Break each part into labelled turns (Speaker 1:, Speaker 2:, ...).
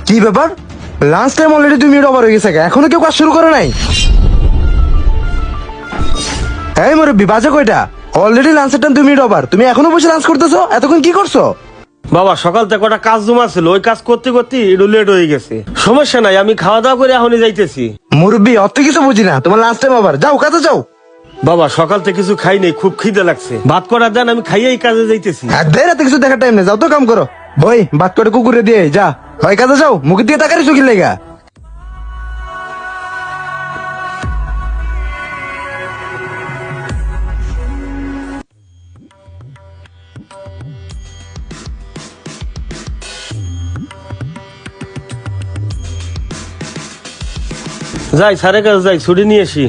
Speaker 1: কি ব্যাপার? Lunch time already 2 minute over হয়ে গেছে, এখনো কেউ কাজ শুরু করে নাই? এই মুরব্বি, বাজে কয়টা? অলরেডি লাঞ্চের টাইম 2 মিনিট ওভার, তুমি এখনো বসে লাঞ্চ করতেছো? এতক্ষণ কি করছো?
Speaker 2: বাবা সকাল থেকে কটা কাজ জমা ছিল, ওই কাজ করতে করতে একটু লেট হয়ে গেছে। সমস্যা নাই, আমি খাওয়া দাওয়া করে এখনই যাইতেছি।
Speaker 1: মুরব্বি, অত কিছু বুঝি না, তোমার লাঞ্চ টাইম ওভার, যাও কাজে যাও।
Speaker 2: বাবা সকাল থেকে কিছু খাই নাই, খুব খিদে লাগছে। ভাত করার দেন, আমি খাইয়েই কাজে যাইতেছি।
Speaker 1: আর দেয় রাতে কিছু দেখার টাইম নেই, যাও তো কাম করো। বই বাদ করে কুকুরে দিয়ে যা, হয় কাজে যাও, মুখে দিয়ে তাকারি চোখের লেগা।
Speaker 2: যাই স্যারের কাছে যাই, ছুটি নিয়ে আসি।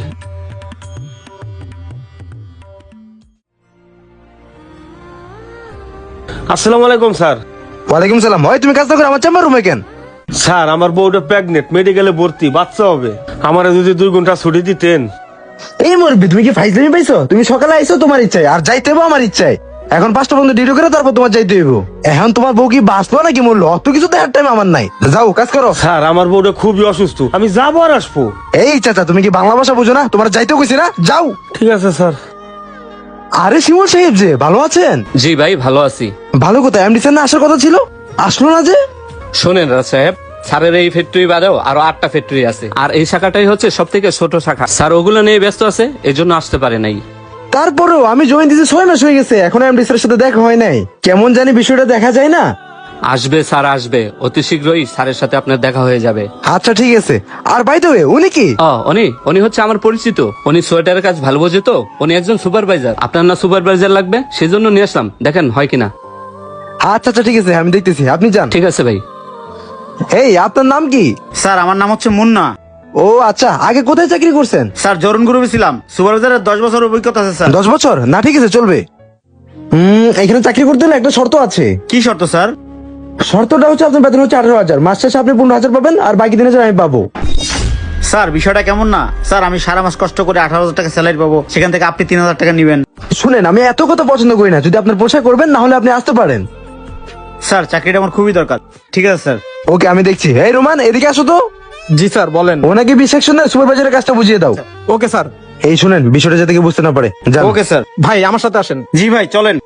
Speaker 2: আসসালামু আলাইকুম স্যার।
Speaker 1: ওয়ালাইকুম সালাম। হয় তুমি কাজ না করে আমার চেম্বার রুমে কেন?
Speaker 2: স্যার আমার বউটা প্রেগনেন্ট, মেডিকেলে ভর্তি, বাচ্চা হবে। আমারে যদি 2 ঘন্টা ছুটি দিতেন।
Speaker 1: এই মুরব্বি, তুমি কি ফাইজলামি পাইছো? তুমি সকালে আইছো তোমার ইচ্ছায়, আর যাইতে হইবো আমার ইচ্ছায়। এখন 5টা পর্যন্ত ডিউটি করে তারপর তোমার যাইতে হইব। এখন তোমার বউ কি বাঁচলো নাকি মরলো, অত কিছু দেখার টাইম আমার নাই। যাও কাজ করো।
Speaker 2: স্যার আমার বউটা খুবই অসুস্থ, আমি যাবো আর আসবো।
Speaker 1: এই চাচা, তুমি কি বাংলা ভাষা বুঝো না? তোমার যাইতে কইছি না, যাও।
Speaker 2: ঠিক আছে স্যার।
Speaker 1: আরে শিমুল সাহেব যে, ভালো আছেন?
Speaker 3: জি ভাই, ভালো আছি।
Speaker 1: ভালো কথা, এমডি স্যার না আসার কথা ছিল, আসলো না যে?
Speaker 3: শোনেন রাজ সাহেব, স্যারের এই ফ্যাক্টরি বাদেও আরো 8টা ফ্যাক্টরি আছে, আর এই শাখাটাই হচ্ছে সব থেকে ছোট শাখা। স্যার ওগুলো নিয়ে ব্যস্ত আছে, এই জন্য আসতে পারে নাই।
Speaker 1: তারপরেও আমি জয়েন দিতে 6 মাস হয়ে গেছে, এখন এমডি স্যারের সাথে দেখা হয় নাই। কেমন জানি বিষয়টা দেখা যায় না।
Speaker 3: আসবে স্যার, আসবে অতি শীঘ্রই স্যারের সাথে আপনার দেখা হয়ে যাবে।
Speaker 1: আচ্ছা ঠিক আছে। আর বাই দ্য ওয়ে, উনি কি?
Speaker 3: উনি হচ্ছে আমার পরিচিত। উনি সোয়েটারের কাজ ভালো বোঝে তো, উনি একজন সুপারভাইজার। আপনার না সুপারভাইজার লাগবে, সেজন্য নিয়ে আসলাম, দেখেন হয় কিনা।
Speaker 1: আচ্ছা আচ্ছা ঠিক আছে, আমি দেখতেছি, আপনি যান।
Speaker 3: ঠিক আছে ভাই।
Speaker 1: এই আপনার নাম কি?
Speaker 4: স্যার আমার নাম হচ্ছে মুন্না।
Speaker 1: ও আচ্ছা, আগে কোথায় চাকরি করছেন?
Speaker 4: স্যার জরুন গ্রুপে ছিলাম, সুপারভাইজারের 10 বছর অভিজ্ঞতা আছে স্যার।
Speaker 1: 10 বছর? না ঠিক আছে, চলবে। এখানে চাকরি করতে হলে একটা শর্ত আছে।
Speaker 4: কি শর্ত স্যার?
Speaker 1: শর্তটা হচ্ছে আপনার বেতন হচ্ছে 18,000, মাস শেষে আপনি 15,000 পাবেন, আর বাকি 3,000 আমি পাবো।
Speaker 4: স্যার বিষয়টা কেমন না? স্যার আমি সারা মাস কষ্ট করে 18,000 টাকা স্যালারি পাবো, সেখান থেকে আপনি 3,000 টাকা নিবেন।
Speaker 1: শুনেন, আমি এত কথা পছন্দ করি না, যদি আপনার পোষায় করবেন, না হলে আপনি আসতে পারেন।
Speaker 4: স্যার চাকরিটা আমার খুবই দরকার। ঠিক আছে স্যার।
Speaker 1: ওকে, আমি দেখছি। এই রোমান, এদিকে আসো তো।
Speaker 5: জি স্যার, বলেন।
Speaker 1: ওনাকে বি সেকশনে সুপারভাইজারের কাজটা বুঝিয়ে দাও।
Speaker 5: Okay sir.
Speaker 1: এই শুনেন, বিষয়টা যাতে কেউ বুঝতে না পারে, যান।
Speaker 4: Okay sir.
Speaker 5: ভাই আমার সাথে আসেন।
Speaker 4: জি ভাই চলেন।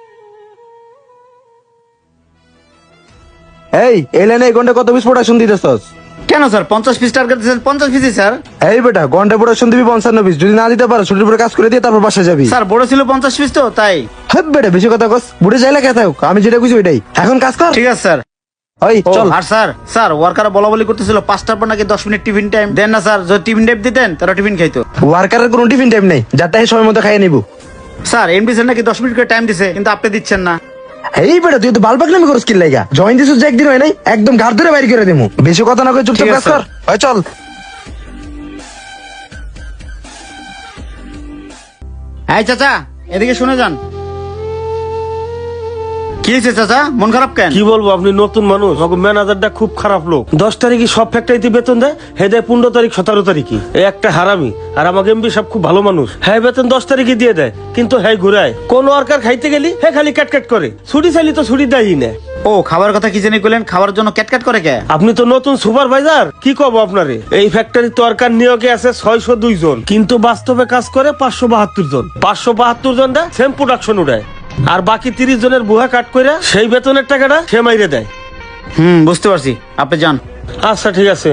Speaker 1: এই লাইনে এই ঘন্টা কত পিস প্রোডাকশন দিতেছস?
Speaker 4: কেন স্যার 50 পিস টার্গেট দিয়েছেন? 50 পিসই স্যার।
Speaker 1: এই বেটা, ঘন্টা প্রোডাকশন দিবি 55 পিস, যদি না দিতে পারো ছুটির পরে কাজ করে দিয়ে তারপর বাসা যাবি।
Speaker 4: স্যার বড় ছিল 50 পিস তো তাই।
Speaker 1: হ্যাঁ বেটা, বেশি কথা কস, বুড়ে যাইলে কে থাকুক, আমি যেটা বুঝি ওইটাই। এখন কাজ কর।
Speaker 4: ঠিক আছে স্যার।
Speaker 1: ওই
Speaker 4: ও,
Speaker 1: চল।
Speaker 4: আর স্যার ওয়ার্কার বলা বলি করতেছিল 5টার পর নাকি 10 মিনিট টিফিন টাইম দেন না স্যার। যদি টিফিন টাইম দিতেন তারা টিফিন খাইতো।
Speaker 1: ওয়ার্কারের কোনো টিফিন টাইম নেই, যারটা সময় মতো খাইয়ে নিবো।
Speaker 4: স্যার এমডি স্যার নাকি 10 মিনিট করে টাইম দিছে, কিন্তু আপনি দিচ্ছেন না।
Speaker 1: এই বেটা, তুই তো বালবাক নামে করস কি লাগা? জয়েন দিছিস যে একদিন হয় নাই, একদম ঘাট ধরে বাইরে করে দিমু। বেশি কথা না কই চুপচাপ
Speaker 4: ঠিক
Speaker 1: কাজ
Speaker 4: আছে,
Speaker 1: কর। ওই চল।
Speaker 4: এই চাচা এদিকে শুনে যান। কি হয়েছে চাচা, মন খারাপ কেন?
Speaker 2: কি বলবো, আপনি নতুন মানুষ, ম্যানেজারটা খুব খারাপ লোক। 10 তারিখে সব ফ্যাক্টরিতে বেতন দেয়, হে দেয় 15 তারিখ 17 তারিখে। এই একটা হারামি। আর আমাকে এমবি সব খুব ভালো মানুষ, হ্যাঁ বেতন 10 তারিখে দিয়ে দেয়, কিন্তু হ্যাঁ ঘুরায়। কোন ওয়ার্কার খাইতে গেলি হ্যাঁ খালি ক্যাট করে, ছুটি চাইলি তো ছুটি দেয়ই না।
Speaker 4: ও খাবার কথা কি জানি কইলেন, খাবার জন্য ক্যাটক্যাট করে কে?
Speaker 2: আপনি তো নতুন সুপারভাইজার, কি কব আপনারে। এই ফ্যাক্টরি ওয়ার্কার নিয়োগে আছে 602 জন, কিন্তু বাস্তবে কাজ করে 572 জন। 572 জন দেয় সেম প্রোডাকশন উড়ায়, আর বাকি 30 জনের বুহা কাট করে সেই বেতনের টাকাটা সে মাইরে দেয়।
Speaker 4: বুঝতে পারছি, আপনি যান।
Speaker 2: আচ্ছা ঠিক আছে।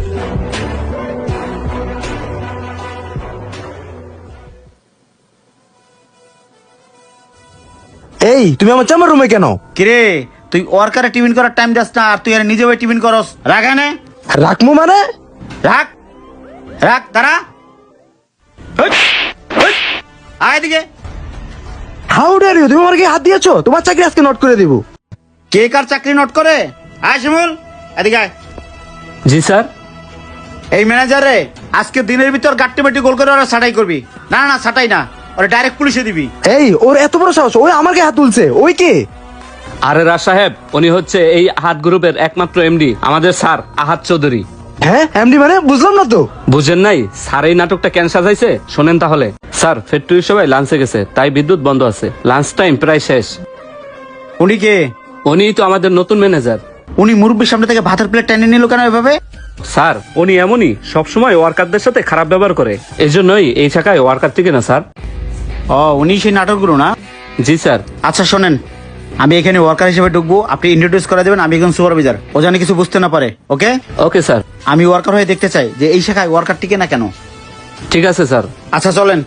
Speaker 1: এই তুমি আমার চেম্বার রুমে কেন?
Speaker 4: কিরে তুই ওয়ার্কারে টিফিন করার টাইম যাস না, আর তুই আর নিজে টিফিন করস? রাখ এনে।
Speaker 1: রাখমু মানে?
Speaker 4: রাখ রাখ, দাঁড়া। আয় এদিকে।
Speaker 1: হাউ ডেয়ার ইউ, তুমি আমার কি হাত দিয়েছো? তোমার চাকরি আজকে নোট করে দিব।
Speaker 4: কে কার চাকরি নোট করে? আয় শিমুল এদিকে আয়।
Speaker 3: জি স্যার।
Speaker 4: এই ম্যানেজার রে, আজকে দিনের ভিতর গাট্টি বাটি গোল করে ওরা ছাটাই করবি। না না ছাটাই না, ওরা ডাইরেক্ট পুলিশে দিবি।
Speaker 1: এই ওর এত বড় সাহস, ওই আমার গায়ে হাত তুলছে। ওই কে?
Speaker 3: আরে রাজ সাহেব, উনি হচ্ছে এই আহাত গ্রুপের একমাত্র এমডি, আমাদের স্যার আহাত চৌধুরী।
Speaker 1: হ্যাঁ এমডি মানে? বুঝলাম না তো।
Speaker 3: বুঝেন নাই? স্যার এই নাটকটা কেন সাজাইছে শোনেন তাহলে। স্যার ফ্যাক্টরির সবাই লাঞ্চে গেছে, তাই বিদ্যুৎ বন্ধ আছে, লাঞ্চ টাইম প্রায় শেষ।
Speaker 4: উনি কে?
Speaker 3: উনি তো আমাদের নতুন ম্যানেজার।
Speaker 4: উনি মুরব্বীর সামনে থেকে ভাতের প্লেট টেনে নিল কেন এভাবে?
Speaker 3: স্যার উনি এমনই সবসময় ওয়ার্কারদের সাথে খারাপ ব্যবহার করে, এই জন্যই এই শাখায় ওয়ার্কার থেকে না স্যার।
Speaker 4: ও, উনি সেই নাটকগুলো না?
Speaker 3: জি স্যার।
Speaker 4: আচ্ছা শোনেন, আমি এখানে ওয়ার্কার হিসেবে ঢুকবো, আপনি ইন্ট্রোডিউস করে দেবেন, আমি একজন সুপারভাইজার, ও জানি কিছু বুঝতে না পারে। ওকে?
Speaker 3: Okay sir.
Speaker 4: আমি ওয়ার্কার হয়ে দেখতে চাই যে এই শাখায় ওয়ার্কার টিকে না কেন।
Speaker 3: ঠিক আছে স্যার।
Speaker 4: আচ্ছা চলেন।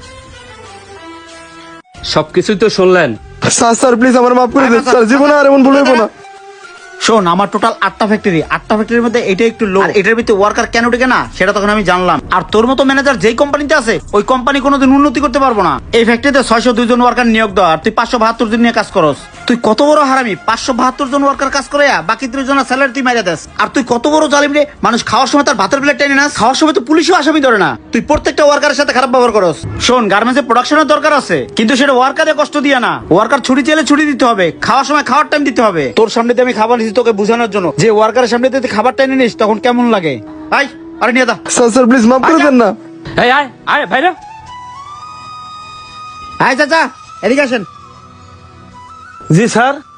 Speaker 3: সবকিছুই তো শুনলেন।
Speaker 1: স্যার স্যার প্লিজ আমার মাফ করে দেন স্যার, জীবনে আর এমন ভুল হইব না।
Speaker 4: শোন, আমার টোটাল 8টা ফ্যাক্টরি, 8টা ফ্যাক্টরির মধ্যে এটা একটু লো, আর এটার ভিতরে ওয়ার্কার কেন টিকে না সেটা তখন আমি জানলাম। আর তোর মতো ম্যানেজার যেই কোম্পানিতে আছে ওই কোম্পানি কোনোদিন উন্নতি করতে পারবো না। এই ফ্যাক্টরিতে 602 জন ওয়ার্কার নিয়োগ দেওয়া, আর তুই 572 জন নিয়ে কাজ করস। তুই কত বড় হারামি, 572 জন ওয়ার্কার কাজ করে বাকি 3 জনের স্যালারি তুই মাইরা দেস। আর তুই কত বড় জালিম রে, মানুষ খাওয়ার সময় তার ভাতের প্লেট টেনে না, খাওয়ার সময় তো পুলিশও আসামি ধরে না। তুই প্রত্যেকটা ওয়ার্কারের সাথে খারাপ ব্যবহার করস। শোন, গার্মেন্টসে প্রোডাকশনের দরকার আছে, কিন্তু সেটা ওয়ার্কারে কষ্ট দিয়ে না। ওয়ার্কার ছুটি চাইলে ছুটি দিতে হবে, খাওয়ার সময় খাওয়ার টাইম দিতে হবে। তোর সামনে দিয়ে আমি খাবার দিচ্ছি তোকে বোঝানোর জন্য, যে ওয়ার্কারের সামনে দিয়ে তুই খাবার টেনে নিস তখন কেমন লাগে। আয়, আরে নিয়ে দা।
Speaker 1: স্যার স্যার প্লিজ মাফ করে দেন না।
Speaker 3: এই আয় আয় ভাইরা।
Speaker 4: আয় চাচা, এদিকে আসেন।
Speaker 2: জি স্যার।